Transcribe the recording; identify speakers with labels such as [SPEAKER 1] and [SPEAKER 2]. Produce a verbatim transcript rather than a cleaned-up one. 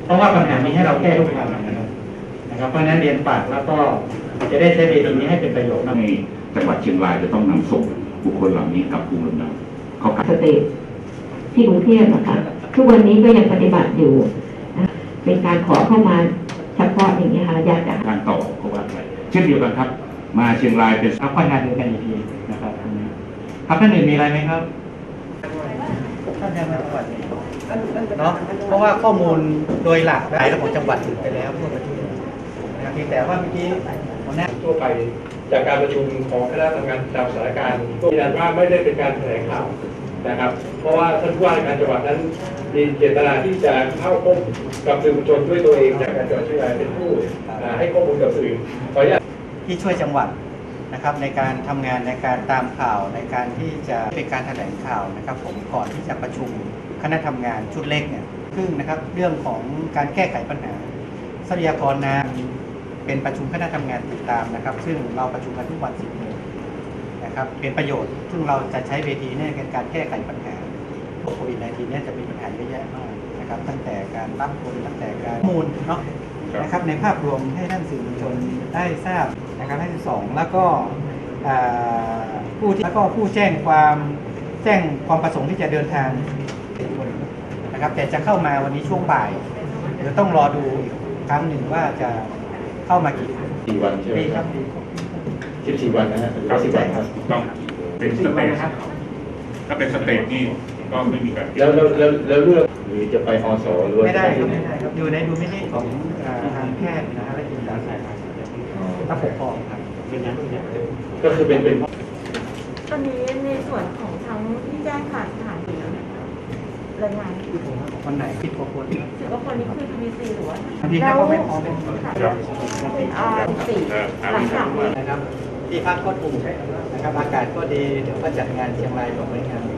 [SPEAKER 1] เพราะว่าปัญหานี้ให้เราแก้ทุกวันนะครับนะครับเพราะฉะนั้นเรียนฝากแล้วก็จะได้ใช้เวทีนี้ให้เป็นประโยชน์ใน
[SPEAKER 2] จังหวัดเชียงรายจะต้องนำส่งบุคคลเหล่านี้กับภูมิลำเนาเขา
[SPEAKER 3] สเตทที่กรุงเทพนะคะทุกวันนี้ก็ยังปฏิบัติอยู่เป็นการขอเข้ามาเฉพาะอย่างนี้ค่ะอยากจะ
[SPEAKER 2] การต่อเขาว่าไปเช่นเดียวกันครับมาเชียงรายเป็น
[SPEAKER 1] ครับค่อยงานเดียวกันอีกทีนะครับครับท่านอื่นมีอะไรไหมครับท่านยังไม่ก่อนเนาะเพราะว่าข้อมูลโดยหลักได้ระบบจังหวัดไปแล้วทั่วประเทศนะครับเพียงแต่ว่าเมื่อกี้หัวหน้า
[SPEAKER 4] ทั่วไปจากการประชุมของคณะทำงานตามสถานการณ์ยืนยันว่าไม่ได้เป็นการแถลงข่าวนะครับเพราะว่าท่านผู้ว่าราชการจังหวัดนั้นมีเจตนาที่จะเข้าพบกับสื่อมวลชนด้วยตัวเองจากการจังหวัดเชียงรายเป็นผู้ให้ข้อมูลกับสื่อขออนุญาต
[SPEAKER 1] ที่ช่วยจังหวัดนะครับในการทำงานในการตามข่าวในการที่จะเป็นการแถลงข่าวนะครับผมก่อนที่จะประชุมคณะทำงานชุดเล็กเนี่ยซึ่งนะครับเรื่องของการแก้ไขปัญหาทรัพยากรน้ำเป็นประชุมคณะทำงานติดตามนะครับซึ่งเราประชุมกันทุกวันสิบโมงนะครับเป็นประโยชน์ซึ่งเราจะใช้เวทีในการแก้ไขปัญหาโควิด สิบเก้า เนี่ยจะมีปัญหาเยอะแยะมากนะครับตั้งแต่การรับคนตั้งแต่การข้อมูลเนาะนะครับในภาพรวมให้ท่านสื่อมวลชนได้ทราบนะครับให้ที่สองแล้วก็ผู้ที่แล้วก็ผู้แจ้งความแจ้งความประสงค์ที่จะเดินทางนะครับแต่จะเข้ามาวันนี้ช่วงบ่ายเดี๋ยวต้องรอดูอีกครั้งหนึ่งว่าจะเข้ามากี่
[SPEAKER 2] สี่วันใช่ไหมครับสิบสี่วันนะฮะสิบวันครับ
[SPEAKER 5] ต้องเป็นสเตจถ้าเป็นสเตจนี่ก็ไม่มีการ
[SPEAKER 2] แล้วแล้วแล้วเลือกหรือจะไปอสหรือ
[SPEAKER 1] ไม่ได้ครับไม่ได้ครับอยู่ในดูไม่ได้ของทางแพทย์นะและจิตอาสาถ้าปกครองครับเป็นนั้น
[SPEAKER 2] ก็คือเป็นเป็น
[SPEAKER 6] ตอนนี้ในส่วนของทั้งที่แจ้งผ่านสถานที่รายงาน
[SPEAKER 1] วันไหนผิดกว่าคน
[SPEAKER 6] สิบกว่าคนนี้คือ ที วี ซี หรือว่า
[SPEAKER 1] บางทีเขาไม่พร้อมเป็น
[SPEAKER 6] อ่าสี่หลังจากนี้
[SPEAKER 1] นะครับที่พักก็ถูกนะครับอากาศก็ดีเดี๋ยวก็จัดงานเชียงรายของบริงาน